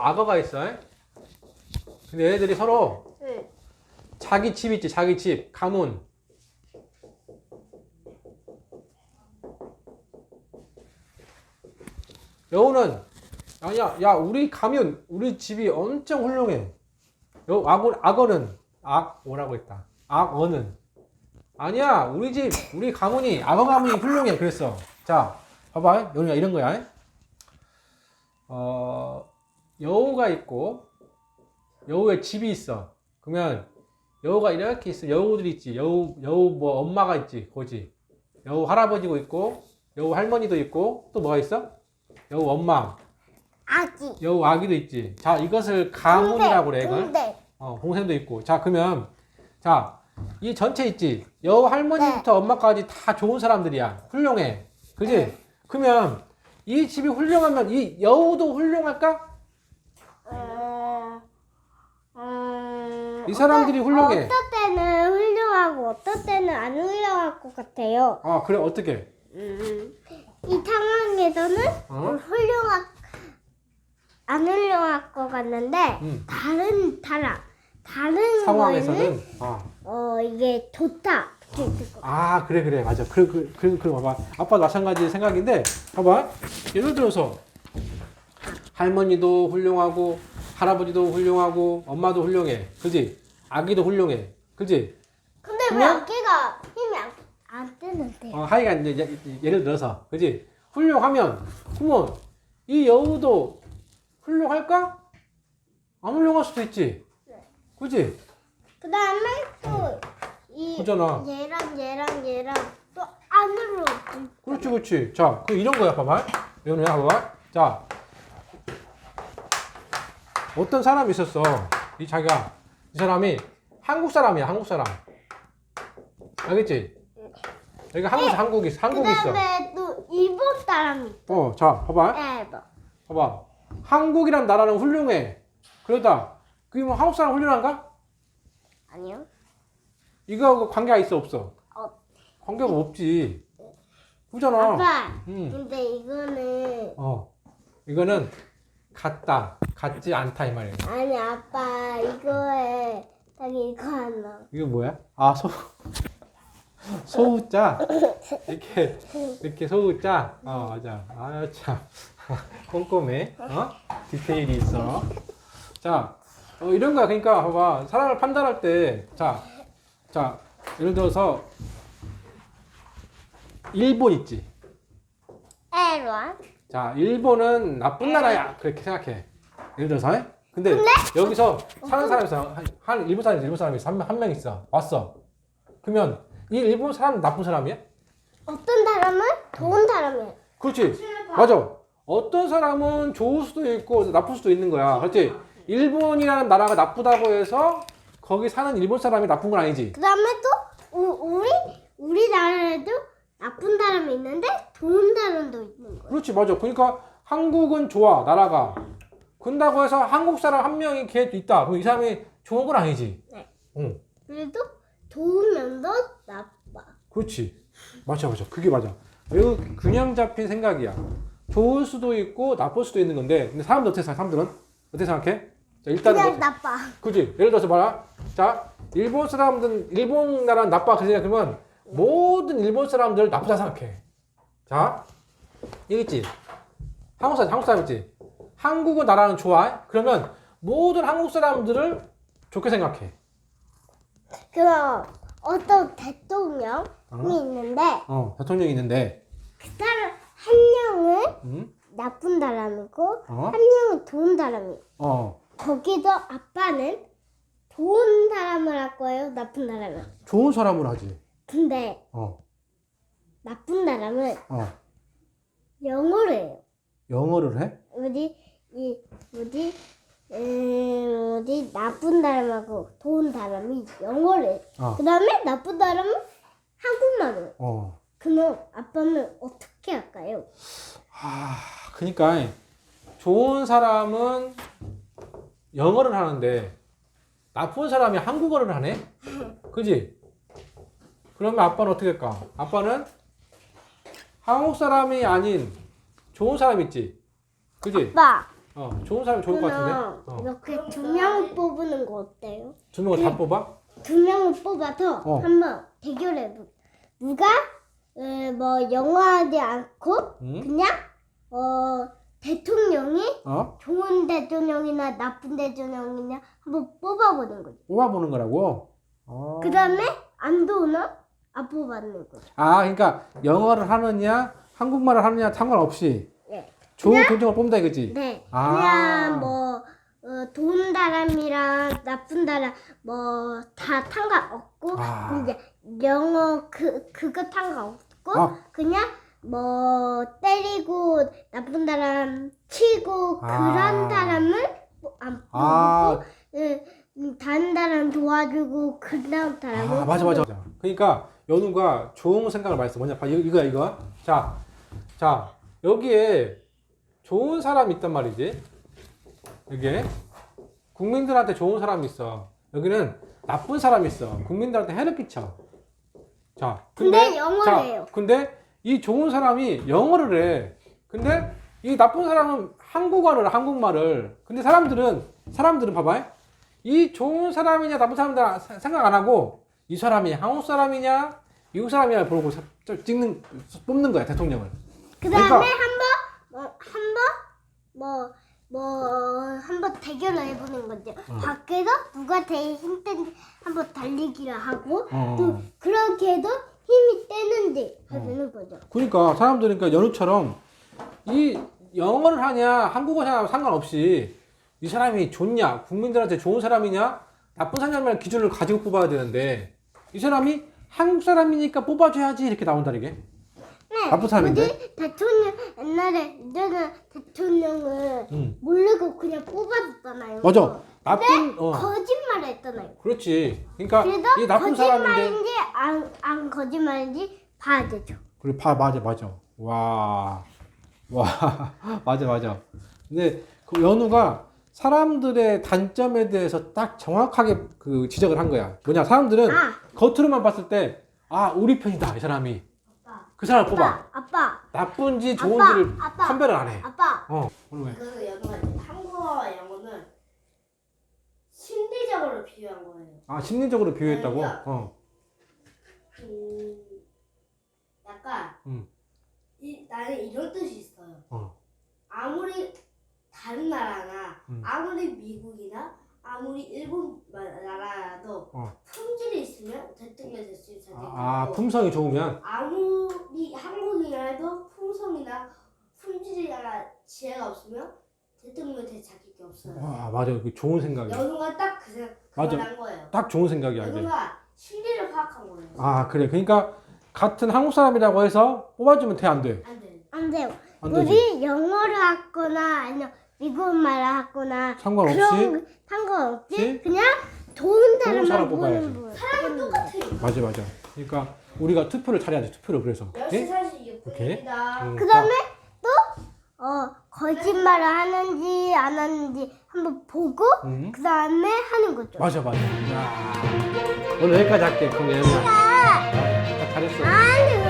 악어가 있어. 근데 얘네들이 서로 응. 자기 집 있지, 자기 집, 가문. 여우는 아니야, 야, 우리 가면, 우리 집이 엄청 훌륭해. 악어는, 뭐라고 했다. 악어는. 아니야, 우리 집, 우리 가문이, 악어 가문이 훌륭해. 그랬어. 자, 봐봐. 여우야, 이런 거야. 여우가 있고, 여우의 집이 있어. 그러면, 여우가 이렇게 있어. 여우들이 있지. 여우 뭐, 엄마가 있지. 거지. 여우 할아버지도 있고, 여우 할머니도 있고, 또 뭐가 있어? 여우 엄마. 아기. 여우 아기도 있지. 자, 이것을 가문이라고 그래, 이걸. 동생. 동생도 있고. 자, 그러면, 자, 이 전체 있지. 여우 할머니부터 엄마까지 다 좋은 사람들이야. 훌륭해. 그지? 네. 그러면, 이 집이 훌륭하면 이 여우도 훌륭할까? 이 사람들이 훌륭해. 어떤 때는 훌륭하고 어떤 때는 안 훌륭할 것 같아요. 그래, 어떻게? 이 상황에서는 어? 안 훌륭할 것 같는데 다른 상황에서는, 거에는 이게 좋다. 이렇게 있을 것 그래, 맞아. 그래, 봐봐. 아빠도 마찬가지 생각인데, 봐봐. 예를 들어서, 할머니도 훌륭하고, 할아버지도 훌륭하고, 엄마도 훌륭해. 그지? 아기도 훌륭해. 그지? 근데 왜 그러면? 아기가 힘이 안 뜨는데? 하여가 이제 예를 들어서, 그지? 훌륭하면, 그러면, 이 여우도 훌륭할까? 안 훌륭할 수도 있지. 네. 그지? 그 다음에 또 그잖아. 얘랑 또 안으로. 그렇지. 자, 이런 거야, 봐봐. 연우야, 봐봐. 자, 어떤 사람이 있었어. 이 사람이 한국 사람이야, 한국 사람. 알겠지? 여기가 한국이 있어. 그 다음에 또 일본 사람이. 자, 봐봐. 네, 봐봐. 한국이란 나라는 훌륭해. 그러다, 그게 뭐 한국 사람 훌륭한가? 아니요. 이거하고 관계가 있어, 없어? 관계가 없지. 그잖아. 아빠. 근데 이거는 같지 않다, 이 말이야. 아니 아빠 이거에 딱 이거 하나. 이거 뭐야? 소우자. 이렇게 소우자. 맞아. 참. 꼼꼼해. 디테일이 있어. 자, 이런 거야. 그러니까, 봐봐. 사람을 판단할 때, 자, 예를 들어서, 일본 있지. 에로아. 자, 일본은 나쁜 나라야. 그렇게 생각해. 예를 들어서. 근데 여기서 사는 사람이 있어. 일본 사람이 있어. 한 명 있어. 왔어. 그러면 이 일본 사람은 나쁜 사람이야? 어떤 사람은 좋은 사람이에요. 그렇지. 맞아. 어떤 사람은 좋을 수도 있고 나쁠 수도 있는 거야. 그렇지. 일본이라는 나라가 나쁘다고 해서 거기 사는 일본 사람이 나쁜 건 아니지. 그 다음에 또 우리나라에도 나쁜 사람이 있는데 좋은 사람도 있는 거예요. 그렇지. 맞아. 그러니까 한국은 좋아. 나라가. 그런다고 해서 한국 사람 한 명이 걔 있다. 그럼 이 사람이 좋은 건 아니지. 네. 응. 그래도 좋은 면도 나빠. 그렇지. 맞아. 그게 맞아. 매우 균형 잡힌 생각이야. 좋을 수도 있고 나쁠 수도 있는 건데, 근데 사람들은 어떻게 생각해? 자, 일단은 그냥 나빠. 그지? 예를 들어서 봐라. 자, 일본 사람들은 일본 나라는 나빠 그 생각하면 모든 일본 사람들 나쁘다 생각해. 자, 여기 있지. 한국 사람 있지. 한국은 나라는 좋아. 그러면 모든 한국 사람들을 좋게 생각해. 그럼 어떤 대통령이 있는데 대통령이 있는데, 그 사람 한 명은 응? 나쁜 사람이고 어? 한 명은 좋은 사람이에요. 어, 거기서 아빠는 좋은 사람을 할 거예요, 나쁜 사람을. 좋은 사람을 하지. 근데 나쁜 사람은 영어를 해요. 영어를 해? 나쁜 사람하고 좋은 사람이 영어를 해요. 어. 그 다음에 나쁜 사람은 한국말을 해요. 어. 그럼 아빠는 어떻게 할까요? 그러니까 좋은 사람은 영어를 하는데 나쁜 사람이 한국어를 하네? 그지? 그러면 아빠는 어떻게 할까? 아빠는 한국 사람이 아닌 좋은 사람 있지? 그지? 아빠, 좋은 사람이 좋을 것 같은데. 그럼 이렇게 두 명 뽑는 거 어때요? 두 명을 다 뽑아? 두 명을 뽑아서 한번 대결해보. 누가 뭐 영어하지 않고 그냥 대통령이 좋은 대통령이나 나쁜 대통령이냐 한번 뽑아보는 거죠. 뽑아보는 거라고? 그 다음에 안 좋으면 안 뽑아는 거죠. 아, 그러니까 영어를 하느냐, 한국말을 하느냐 상관없이 네. 좋은 대통령을 뽑는다 이거지? 네. 아. 그냥 뭐 좋은 사람이랑 나쁜 사람 뭐 다 상관없고 이제 영어 그거 상관없고 그냥 뭐 때리고 나쁜 사람 치고 그런 사람을 안 뽑고 다른 사람 도와주고 그다음 사람을 맞아. 그러니까 연우가 좋은 생각을 많이 했어. 뭐냐, 봐, 이거야. 자, 여기에 좋은 사람이 있단 말이지. 여기에 국민들한테 좋은 사람이 있어. 여기는 나쁜 사람이 있어. 국민들한테 해를 끼쳐. 자, 근데 영어를 해요. 근데 이 좋은 사람이 영어를 해. 근데 이 나쁜 사람은 한국말을. 근데 사람들은 봐봐. 이 좋은 사람이냐 나쁜 사람이냐 생각 안 하고 이 사람이 한국 사람이냐 미국 사람이냐 보고 뽑는 거야, 대통령을. 그 다음에 그러니까 한번 대결을 해보는 거죠. 밖에서 누가 제일 힘든지 한번 달리기를 하고 또 그렇게 해도 힘이 떼는지 하는 거죠. 그러니까 사람들은 그러니까 연우처럼 이 영어를 하냐 한국어를 하냐 상관없이 이 사람이 좋냐 국민들한테 좋은 사람이냐 나쁜 사람이라는 기준을 가지고 뽑아야 되는데 이 사람이 한국 사람이니까 뽑아줘야지 이렇게 나온다 이게. 네. 나쁜 사람인데? 뭐지? 대통령 옛날에 대통령을 모르고 그냥 뽑아줬잖아요. 맞아. 나쁜 거짓말을 했잖아요. 그렇지. 그러니까 그래서 이 나쁜 사람인데. 거짓말인지 안 거짓말인지 봐야 되죠. 그래, 맞아. 와, 맞아. 근데 그 연우가 사람들의 단점에 대해서 딱 정확하게 그 지적을 한 거야. 뭐냐, 사람들은 겉으로만 봤을 때, 우리 편이다, 이 사람이. 그 사람을 뽑아. 아빠. 나쁜지 좋은지를 아빠. 판별을 안 해. 아빠. 왜? 그 영어가 한국어와 영어는 심리적으로 비유한 거예요. 심리적으로 비유했다고? 그러니까. 약간 나는 이런 뜻이 있어요. 아무리 다른 나라나 아무리 미국이나 아무리 일본 나라라도 품질이 있으면 대통령이 될 수 있어요. 품성이 좋으면? 아무리 한국이라도 품성이나 품질이나 지혜가 없으면 대통령이 될 자격이 없어요. 맞아. 그 좋은 생각이야. 연우가 딱 그런 거예요. 딱 좋은 생각이야, 이게. 연우가 심리를 파악한 거예요. 그래. 그러니까 같은 한국 사람이라고 해서 뽑아주면 돼, 안 돼? 안 돼요. 안 되지? 우리 영어를 하거나 아니면 미국말을 하거나 상관없이? 그런 상관없이 그냥 좋은 사람 사람만 뽑아야지. 보는 분. 사람은 똑같아요. 맞아. 그러니까 우리가 투표를 잘해야지, 투표를 그래서. 역시 예? 사실 오케이. 이분입니다. 그 다음에 또 거짓말을 하는지 안 하는지 한번 보고 그 다음에 하는 거죠. 맞아. 야. 오늘 여기까지 할게. 그럼 얘는. 잘했어. 아니